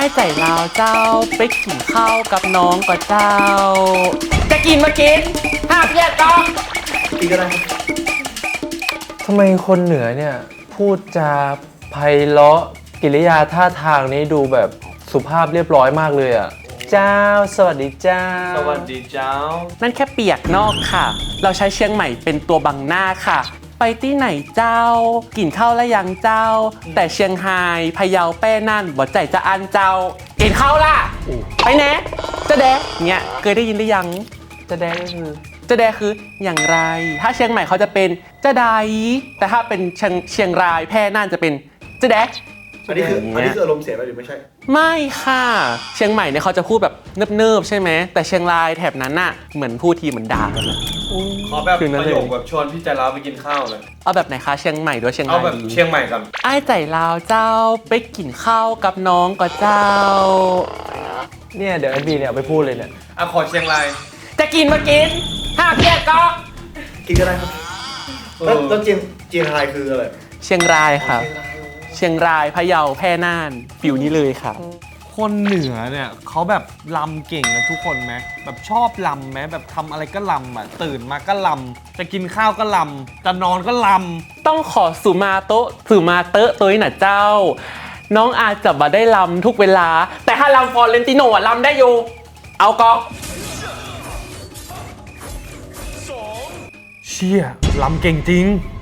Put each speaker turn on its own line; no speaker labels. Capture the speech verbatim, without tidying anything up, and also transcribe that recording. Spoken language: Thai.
ใจลาวเจ้าไปกินข้าวกับน้องก็เจ้าจะกินมากินห้ามแยกก็
กินก็ได้ทำไมคนเหนือเนี่ยพูดจาไพเราะกิริยาท่าทางนี้ดูแบบสุภาพเรียบร้อยมากเลยอ่ะเจ้าสวัสดีเจ้า
สวัสดีเจ้า
นั่นแค่เปียกนอกค่ะเราใช้เชียงใหม่เป็นตัวบังหน้าค่ะไปที่ไหนเจ้ากินข้าวแล้วยังเจ้าแต่เชียงไฮ้พะเยาแป้นั่นบ่ใจจะอันเจ้ากินข้าวล่ะไปแน่จะแดะเนี่ยเคยได้ยินหรือยัง
จะแดะก็คือ
จะแดคืออย่างไรถ้าเชียงใหม่เขาจะเป็นจะไดแต่ถ้าเป็นเชียงเชียงรายแพร่น่านจะเป็นจะแดะ
อันนี้คืออันนี้คืออารมณ์เสียไปหรือไม่ใช่
ไม่ค่ะเชียงใหม่เนี่ยเขาจะพูดแบบเนิบๆใช่ไหมแต่เชียงรายแถบนั้นน่ะเหมือนพูดทีเหมือนด่ากันเลย
ขอแบบประโยคแบบชวนพี่ใจลาวไปกินข้าวเลย
เอาแบบไหนคะเชียงใหม่ด้วยเชียงราย
เอาแบบเชียงใหม่กัน
ไอ้ใจลาวเจ้าไปกินข้าวกับน้องก็เจ้า
เนี่ยเดี๋ยวแอนบีเนี่ยเอาไปพูดเลยเนี่ย
อ่ะขอเชียงราย
จะกินมากินห้ามแยกก็
กินก็ได้ครับแล้วเชียงเชียงรายคืออะไร
เชียงรายค่ะเชียงรายพะเยาแพร่น่านฟิวนี้เลยค่ะ
คนเหนือเนี่ยเขาแบบลำเก่งกันทุกคนไหมแบบชอบลำไหมแบบทำอะไรก็ลำอ่ะตื่นมาก็ลำจะกินข้าวก็ลำจะนอนก็ล
ำต้องขอสุมาโตะสุมาเตอะตัวนี้น่ะเจ้าน้องอาจจะมาได้ลำทุกเวลาแต่ถ้าลำฟอร์เรนติโนอ่ะลำได้อยู่เอาก็
เชี่ยลำเก่งจริง